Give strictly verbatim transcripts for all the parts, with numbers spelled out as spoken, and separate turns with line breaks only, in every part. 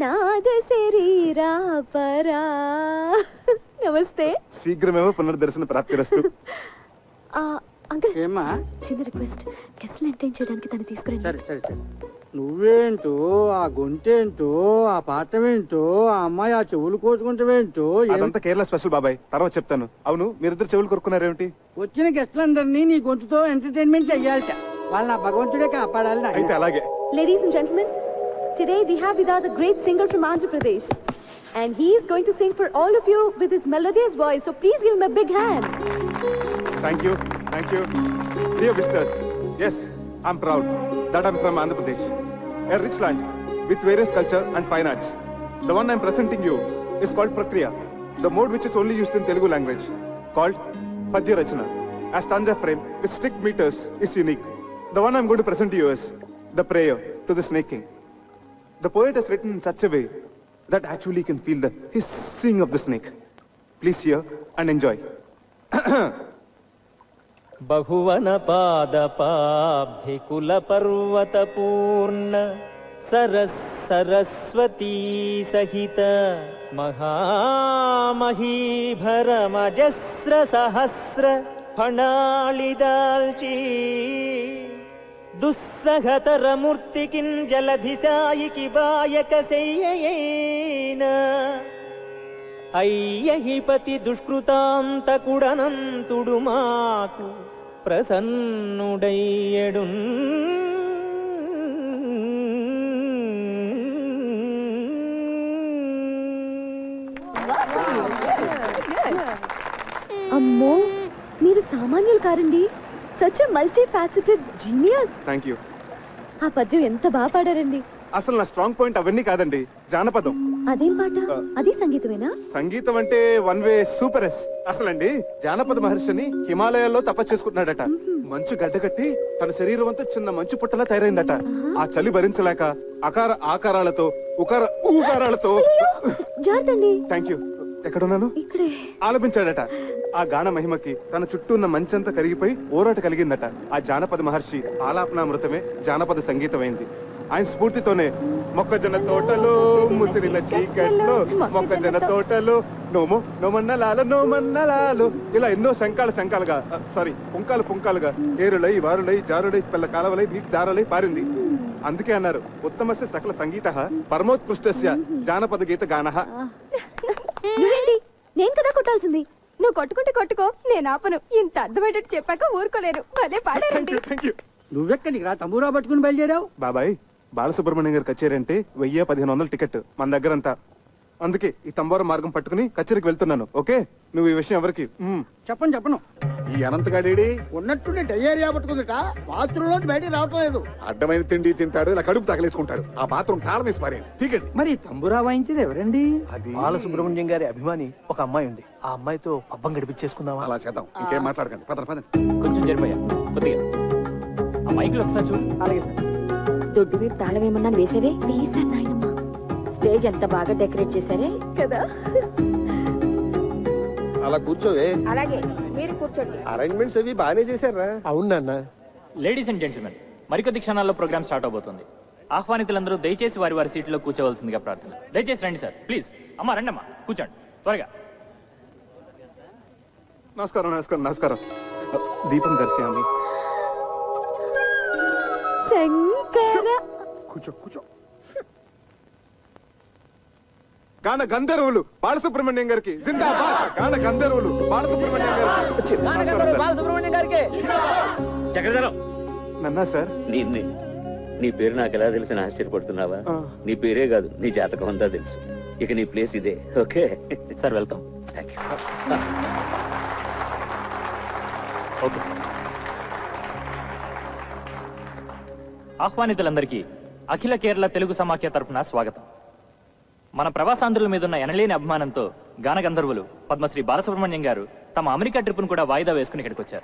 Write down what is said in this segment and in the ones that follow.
నాద శరీరా పరా. నమస్తే.
శీఘ్రమేమో పునర్దర్శన ప్రాప్తిరస్తు.
ఆ, అంకుల్
ఏమ్మా?
చిన్న రిక్వెస్ట్, గెస్ట్లు ఎంటర్టైన్ చేయడానికి తను తీసుకురండి.
సరే సరే సరే. నువ్వేంటో, ఆ గొంతేంటో, ఆ పాఠమేంటో, ఆ అమ్మాయి ఆ చెవులు కోసుకుంటావేంటో, ఏం-
అదంతా కేరళ స్పెషల్ బాబాయ్, తర్వాత చెప్తాను. అవును, మీరిద్దరు చెవులు కొరుకున్నారేమిటి?
వచ్చిన గెస్టులందరినీ నీ గొంతుతో ఎంటర్టైన్మెంట్ చెయ్యాలట. వాళ్ళ నా భగవంతుడే కాపాడాలి నాయనా.
అయితే అలాగే.
Ladies and gentlemen, today we have with us a great singer from Andhra Pradesh. And he is going to sing for all of you with his melodious voice. So please give him a big hand.
Thank you, thank you. Dear visitors, yes, I'm proud that I'm from Andhra Pradesh, a rich land with various culture and fine arts. The one I'm presenting you is called Prakriya, the mode which is only used in Telugu language, called Padya Rachana. A stanza frame with strict meters is unique. The one I'm going to present to you is the prayer to the snake king. The poet has written in such a way that actually you can feel the hissing of the snake. Please hear and enjoy.
బహువన పాదపాభికుల పర్వత పూర్ణ సరస్ సరస్వతీ సహిత మహామహీభరమజస్ర సహస్ర ఫణాళిదాల్చీ దుస్సహతర మూర్తికిన్ జలధిసాయికి బాయక శయ్యయేన అయ్యహిపతి దుష్కృతాంతకుడనంతుడు మాకు ప్రసన్నుడయ్యడు.
అమ్మో, మీరు సామాన్యులు కారండి. Such multi faceted genius.
Thank you.
ఆ పద్యం ఎంత బాగా పాడారండి.
అసలు నా స్ట్రాంగ్ పాయింట్ అవన్నీ కాదండి, జానపదం.
అదేం పాట? అది సంగీతమేనా?
సంగీతం అంటే వన్ వే సూపర్ ఎస్. అసలండి జానపద మహర్షిని హిమాలయాల్లో తపస్సు చేసుకుంటున్నాడట. మంచు గడ్డకట్టి తన శరీరం అంతా చిన్న మంచు పుట్టలా తయారైందట. ఆ చలి భరించలేక అకార ఆకారాలతో ఉకార ఊకారాలతో
జాగ్రత్తండి.
Thank you. ఎక్కడున్నాను?
ఇక్కడే
ఆలపించాడట. ఆ గాన మహిమకి తన చుట్టూ ఉన్న మంచంతా కరిగిపోయి ఊరాట కలిగిందట. ఆ జానపద మహర్షి ఆలాపనామృతమే జానపద సంగీతమైంది. ఆయన స్ఫూర్తితోనే మొక్కజొన్న తోటలో ముసిరిన చీకట్లో మొక్కజొన్న తోటలో నోమో నోమన్నలాలు నోమన్నలాలు ఇలా ఎన్నో శంకాల శంకాలుగా సారీ పుంకాలు పుంకాలుగా ఏరులై వారులై జారులై పిల్ల కాలవలై నీటి దారలై పారింది. అందుకే అన్నారు ఉత్తమస్య సకల సంగీత పరమోత్కృష్టస్య జానపద గీత గానః.
నువ్వేంటి? నేను కదా కొట్టాల్సింది. నువ్వు కొట్టుకుంటే కొట్టుకో, నేను ఆపను. ఇంత అర్థమయ్యేటట్టు చెప్పాక ఊరుకోలేరు. భలే పాడారండి.
Thank you.
నువ్వెక్కడికి రా తమ్మురా పట్టుకుని బయలుదేరావు?
బాబాయ్, బాలసుబ్రహ్మణ్యం గారి కచేరీ అంటే వెయ్యి పదిహేను వందల టికెట్ మన దగ్గరంతా. అందుకే ఈ తంబోర మార్గం పట్టుకుని కచేరీకి వెళ్తున్నాను. ఓకే, నువ్వు ఈ విషయం ఎవరికి మ్మ్.
చెప్పను చెప్పను.
ఈ అనంతగాడేడి
ఉన్నట్టుండి డయేరియా పట్టుకుందిట. బాత్రూమ్ లో బయటికి రావటం లేదు.
అడ్డమైన తిండి తింటాడు, ఇలా కడుపు తగలేసుకుంటాడు. ఆ బాత్రూమ్ తాళం వేసి పారేయండి. టికెట్
మరి తంబురా వాయించేది ఎవరండి?
అది
బాలసుబ్రహ్మణ్యం గారి అభిమాని ఒక అమ్మాయి ఉంది. ఆ అమ్మాయితో పబ్బం గడిపించేసుకుందామా?
అలా చేద్దాం. ఇంకేం మాట్లాడకండి. పదండి పదండి.
కొంచెం జరిపోయా కొద్దిగా ఆ మైకులు ఒకసారి చూడు.
అలాగే సార్.
దొడ్డు వైపు తాళం ఏమన్నా వేసేవే?
వేసాను నాయనమ్మా.
స్టేజ్ ఎంత బాగా డెకరేట్ చేశారే
కదా.
అలా కూర్చోవే.
అలాగే మీరు కూర్చోండి.
అరేంజ్మెంట్స్ అవి బాగానే చేశారా?
అవునన్నా.
లేడీస్ అండ్ జెంటిల్మెన్, మరికొద్ది క్షణాల్లో ప్రోగ్రామ్ స్టార్ట్ అవబోతుంది. ఆహ్వానితులందరూ దయచేసి వారి వారి సీట్లో కూర్చోవలసిందిగా ప్రార్థన. దయచేసి రండి సార్, ప్లీజ్. అమ్మా రండమ్మా, కూర్చోండి త్వరగా.
నమస్కారం నమస్కారం నమస్కారం. దీపం దర్శయామి.
శంకర.
కూర్చో కూర్చో.
గాన గంధర్వులు బాలసుబ్రహ్మణ్యం గారికి జిందాబాద్. గాన గంధర్వులు బాలసుబ్రహ్మణ్యం గారికి.
బాలసుబ్రహ్మణ్యం గారికి చక్రధరం.
నన్నా సార్?
నీ నీ పేరు నాకు ఎలా తెలిసిన ఆశ్చర్యపడుతున్నావా? నీ పేరే కాదు, నీ జాతకం అంతా తెలుసు. ఇక నీ ప్లేస్ ఇదే. Okay
sir, welcome.
Thank you.
Okay. ఆహ్వానితులందరికీ అఖిల కేరళ తెలుగు సమాఖ్య తరఫున స్వాగతం. మన ప్రవాసాంధ్రుల మీద ఉన్న ఎనలేని అభిమానంతో గాన గంధర్వులు పద్మశ్రీ బాలసుబ్రహ్మణ్యం గారు తమ అమెరికా ట్రిప్ను కూడా వాయిదా వేసుకుని ఇక్కడికి వచ్చారు.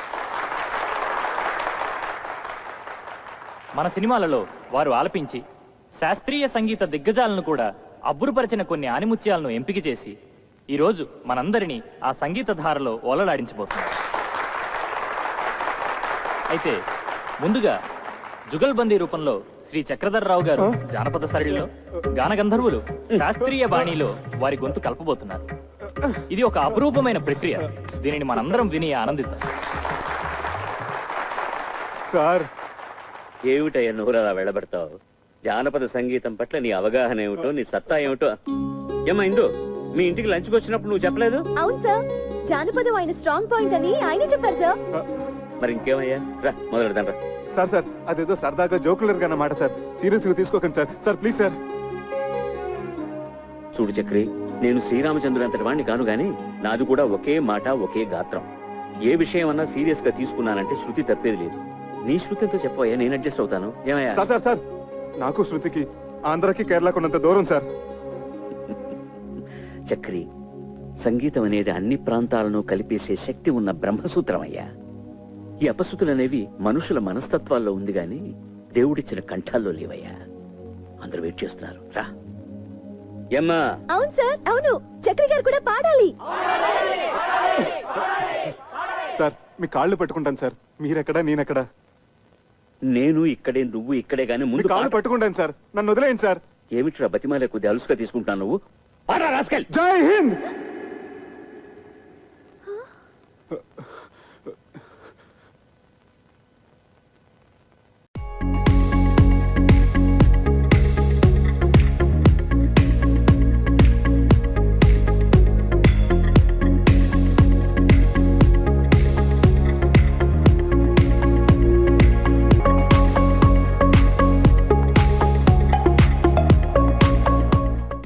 మన సినిమాలలో వారు ఆలపించి శాస్త్రీయ సంగీత దిగ్గజాలను కూడా అబ్బురుపరిచిన కొన్ని ఆనిముత్యాలను ఎంపిక చేసి ఈరోజు మనందరినీ ఆ సంగీత ధారలో ఓలలాడించబోతున్నారు. అయితే ముందుగా జుగల్బందీ రూపంలో శ్రీ చక్రధర్రావు గారు జానపద సరళిలో గాన గంధర్వులు శాస్త్రీయ బాణీలో వారి గొంతు కలపబోతున్నారు. ఇది ఒక అపురూపమైన ప్రక్రియ. దీనిని మనందరం విని ఆనందిద్దాం.
సార్,
ఏమిటయ్యా నోరు అలా వెళ్ళబడతావు? జానపద సంగీతం పట్ల నీ అవగాహన ఏమిటో, నీ సత్తా ఏమిటో. ఏమా ఇందు, మీ ఇంటికి లంచ్కి వచ్చినప్పుడు నువ్వు చెప్పలేదు?
అవును సార్, జానపదం ఆయన స్ట్రాంగ్ పాయింట్ అని ఆయనే చెప్పారు సార్.
మరి ఇంకేమయ్యా, రా మొదలెడదాం రా.
సార్ సార్ అదేదో సరదాగా జోకులర్ గా అన్నమాట సార్, సీరియస్ గా తీసుకోకండి సార్. Sir please sir.
చూడు చక్రి, నేను శ్రీరామచంద్రుడు అంతటి వాడిని కాను గాని నాది కూడా ఒకే మాట ఒకే గాత్రం. ఏ విషయం అన్నా సీరియస్ గా తీసుకున్నానంటే శృతి తప్పేది లేదు. నీ శృతితో చెప్పవయ్యా, నేను అడ్జస్ట్ అవుతాను. ఏమయ్యా?
సార్ సార్ సార్ నాకు శృతికి ఆంధ్రకి కేరళకు ఉన్నంత దూరం సార్.
చక్రి, సంగీతం అనేది అన్ని ప్రాంతాలను కలిపేసే శక్తి ఉన్న బ్రహ్మసూత్రం అయ్యా. ఈ అపశృతులు అనేవి మనుషుల మనస్తత్వాల్లో ఉంది గాని దేవుడిచ్చిన కంఠాల్లో లేవయ్యా. అందరూ వెయిట్ చేస్తున్నారు, రా. ఏమ్మా?
అవును సార్, అవును, చక్రి గారు కూడా పాడాలి.
సార్ మీ కాళ్ళు పట్టుకుంటాను సార్. మీరెక్కడా నేనెక్కడా?
నేను ఇక్కడే, నువ్వు ఇక్కడే గాని
మీ
ముందు
కాళ్ళు
పాట-
పట్టుకుంటాను సార్, నన్ను వదిలేయండి సార్.
ఏమిట్రా బతిమాలే కొద్ది అలుసుగా తీసుకుంటాను నువ్వు? పాడరా రాస్కెల్.
జై హింద్.